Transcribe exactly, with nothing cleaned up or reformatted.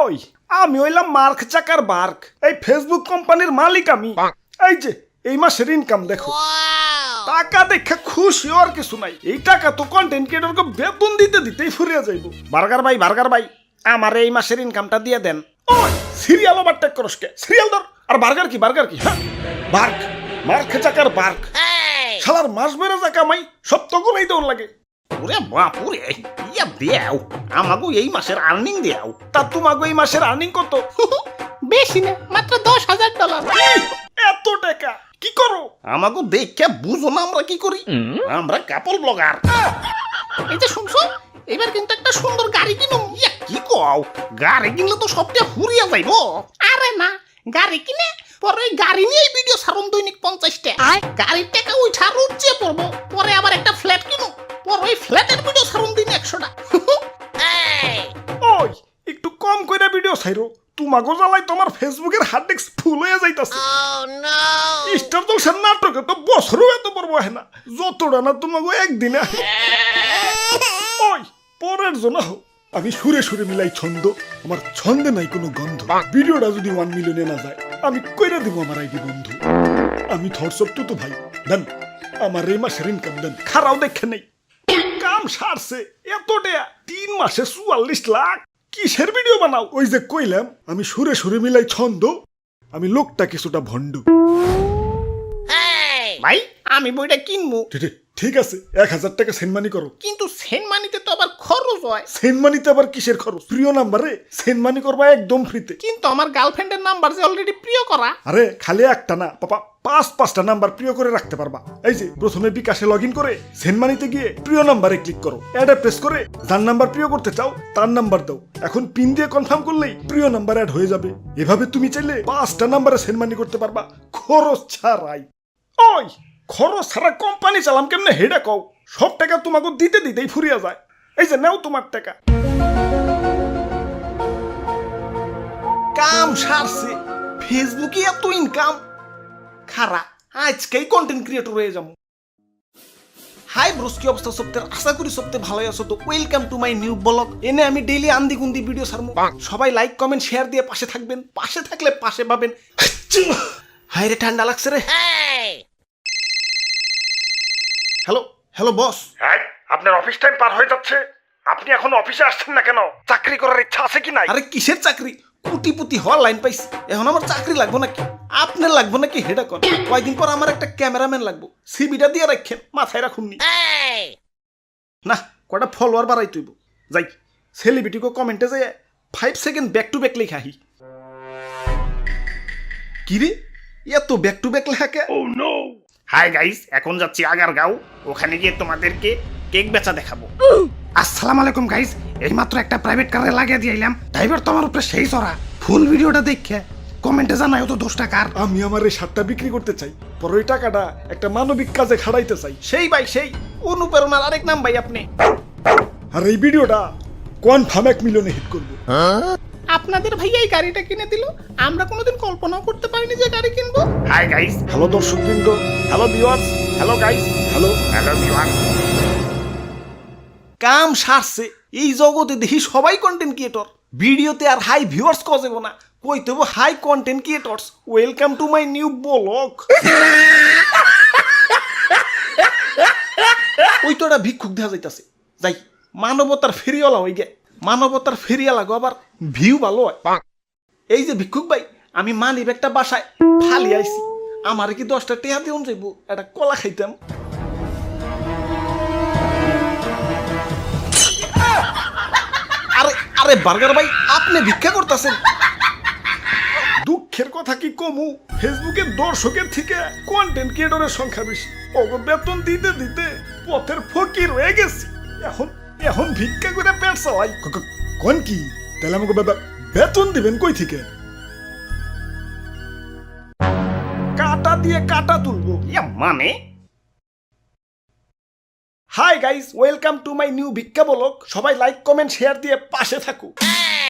ওই আমি হইলাম মার্ক চাকার বার্ক, এই ফেসবুক কোম্পানির মালিক আমি। এই যে এই মাসের ইনকাম দেখো, টাকা দেখে খুশি আর কিছু নাই। এই টাকা তো কন্টেন্ট ক্রিয়েটরকে বেতন দিতে দিতেই ফুরিয়ে যাইব। বার্গার ভাই বার্গার ভাই আমার এই মাসের ইনকামটা দিয়ে দেন। ওই সিরিয়াল ওভার টেক করস কে? সিরিয়াল ধর। আর বার্গার কি বার্গার কি? হ্যাঁ বার্ক, মার্ক চাকার বার্ক। শালার মাস বেড়ে যা কামাই সব তো গুলাই দৌড় লাগে। ওরে বাপুরে, ইয়া দেও আমাগো এই মাসের আর্নিং দেও। তা তোমাগো এই মাসের আর্নিং কত? বেশি না, মাত্র দশ হাজার ডলার। এত টাকা কি করো? আমাগো দেখে বুঝো না আমরা কি করি? আমরা কাপল ব্লগার। এই যে শুনছো, এবার কিন্তু একটা সুন্দর গাড়ি কিনো। ইয়া কি কও, গাড়ি কিনলে তো সবটা ফুরিয়া যাইবো। আরে না, গাড়ি কিনে পরে ওই গাড়ি নিয়ে ভিডিও ছাড়ুন দৈনিক পঞ্চাশটা। গাড়ির টাকা উঠা রুচে পড়বো, পরে আবার একটা ফ্ল্যাট কিনো, পরে ওই ফ্ল্যাটের ভিডিও ছাড়ুন দিন একশোটা। ওই একটু কম কইরা ভিডিও ছাইরো, তোমাগো জ্বালাই তোমার ফেসবুকের হার্ড ডিস্ক ফুল হয়ে যাইতাছে। স্টার জলসার নাটকে তো বছরও এত বড় হয় না, যতটা না তোমাগো একদিনে আহে। ওই পরের জন্য হোক আমি সুরে সুরে মিলাই ছন্দ, আমার ছন্দে নাই কোনো গন্ধ। ভিডিওটা যদি ওয়ান মিলিয়নে না যায় আমি কইরা দিব আমার আইডি বন্ধু। আমি থটসপ তো তো ভাই দেন আমার এই মাসের ইনকাম দেন, খারাও দেখে নেই। কাম সারছে এত টাকা, তিন মাসে চুয়াল্লিশ লাখ। কিসের ভিডিও বানাও? ওই যে কইলাম আমি সুরে সুরে মিলাই ছন্দ, আমি লোকটা কিছুটা ভণ্ড। ভাই আমি বইটা কিনবো, ঠিক আছে এক হাজার টাকা সেনমানি করো। কিন্তু সেন্ট মানিতে তো আবার খরচ হয়। সেনমানিতে আবার কিসের খরচ? প্রিয় নাম্বারে সেনমানি করবা একদম ফ্রিতে। কিন্তু আমার গার্লফ্রেন্ডের নাম্বার যে অলরেডি প্রিয় করা। আরে খালি একটা না পাপা, পাঁচ পাঁচটা নাম্বার প্রিয় করে রাখতে পারবা। এই যে প্রথমে বিকাশে লগ ইন করে সেনমানিতে গিয়ে প্রিয় নাম্বারে ক্লিক করো, অ্যাডে প্রেস করে যার নাম্বার প্রিয় করতে চাও তার নাম্বার দাও। এখন পিন দিয়ে কনফার্ম করলেই প্রিয় নাম্বার অ্যাড হয়ে যাবে। এভাবে তুমি চাইলে পাঁচটা নাম্বারে সেনমানি করতে পারবা খরচ ছাড়াই। ওই খরচ ছাড়া কোম্পানি চালাম কেমনে হেডা কও? সব টাকা তোমাকে দিতে দিতেই ফুরিয়া যায়। এই যে নাও তোমার টাকা। কাম সারছে, ফেসবুকে এত ইনকাম। খারা আজকেই কন্টেন্ট ক্রিয়েটর হয়ে যাবো। হাই ব্রোস, কি অবস্থা সপ্তাহের? আশা করি সপ্তাহে ভালোই আছো। তো welcome to my new blog. এনে আমি ডেইলি আন্দি গুন্দি ভিডিও ছাড়বো। সবাই লাইক কমেন্ট শেয়ার দিয়ে পাশে থাকবেন। পাশে থাকলে পাশে পাবেন। হাই রে ঠান্ডা লাগছে রে। Hello hello boss. হ্যাঁ আপনার অফিস টাইম পার হয়ে যাচ্ছে, আপনি এখন অফিসে আসছেন না কেন? চাকরি করার ইচ্ছা আছে কি নাই? আরে কিসের চাকরি? কোটিপতি হওয়ার লাইন পাইছি, এখন আমার চাকরি লাগবো নাকি? আপনার লাগবো নাকি হেডা কর? কয়দিন পর আমার একটা ক্যামেরাম্যান লাগবো, সিবিটা দিয়ে রাখেন, মাথায় রাখুননি। না কটা ফলোয়ার বাড়াই তুইব। যাই সেলিব্রিটিকে কমেন্টে যাই five second back to back লেখা হি। কি রে এত ব্যাক টু ব্যাক লেখা কে? Oh no. হাই গাইস, এখন যাচ্ছি আগারগাঁও, ওখানে গিয়ে তোমাদেরকে কেক বেচা দেখাবো। আসসালামু আলাইকুম গাইস, এইমাত্র একটা প্রাইভেট কারে লাগিয়ে দিয়ে এলাম। ড্রাইভার তো আমার উপরে সেই চড়া। ফুল ভিডিওটা দেখে কমেন্টে জানাই তো দোষ টাকার। আমি আমার এই শার্টটা বিক্রি করতে চাই, পর ওই টাকাটা একটা মানবিক কাজে খাড়াইতে চাই। সেই ভাই সেই অনুপ্রেরণার আরেক নাম ভাই আপনি। আর এই ভিডিওটা কনফার্ম এক মিলিয়নে হিট করবো। আপনাদের ভাইয়া এই গাড়িটা কিনে দিল, আমরা কোনোদিন কল্পনাও করতে পারিনি যে গাড়ি কিনবো। হাই গাইস, হ্যালো দর্শকবৃন্দ, hello viewers, hello guys, hello hello viewers. কাম সারছে, এই জগতে দেখি সবাই কন্টেন্ট ক্রিয়েটর। ভিডিওতে আর হাই ভিউয়ার্স কজেব না, কইতে হবে hi content creators. Welcome to my new blog. ওই তো একটা ভিক্ষুক দেখা যাইতাছে, যাই মানবতার ফেরিওয়ালা হয়ে গে। মানবতার ফেরিওয়ালা গো আবার ভিউ ভালো হয়। এই যে ভিক্ষুক ভাই, আমি মানি ব্যাগটা বাসায় ফালি আইছি, আমার কি দশটা টেহা দিউন যাইব, একটা কলা খাইতাম। আরে আরে বার্গার ভাই, আপনি ভিক্ষা করতেছেন? দুঃখের কথা কি কমু, ফেসবুকের দর্শকের থেকে কন্টেন্ট ক্রিয়েটরের সংখ্যা বেশি। ওগো বেতন দিতে দিতে পথের ফকির হয়ে গেছি। এখন এখন ভিক্ষা করে পেট চালাই। কোন কি তাহলে আমাকে বেতন দিবেন কই থেকে? কাটা দিয়ে কাটা তুলবো ইয়া মানে। Hi guys, welcome to my new ভিক্ষা ব্লগ। সবাই লাইক কমেন্ট শেয়ার দিয়ে পাশে থাকুক।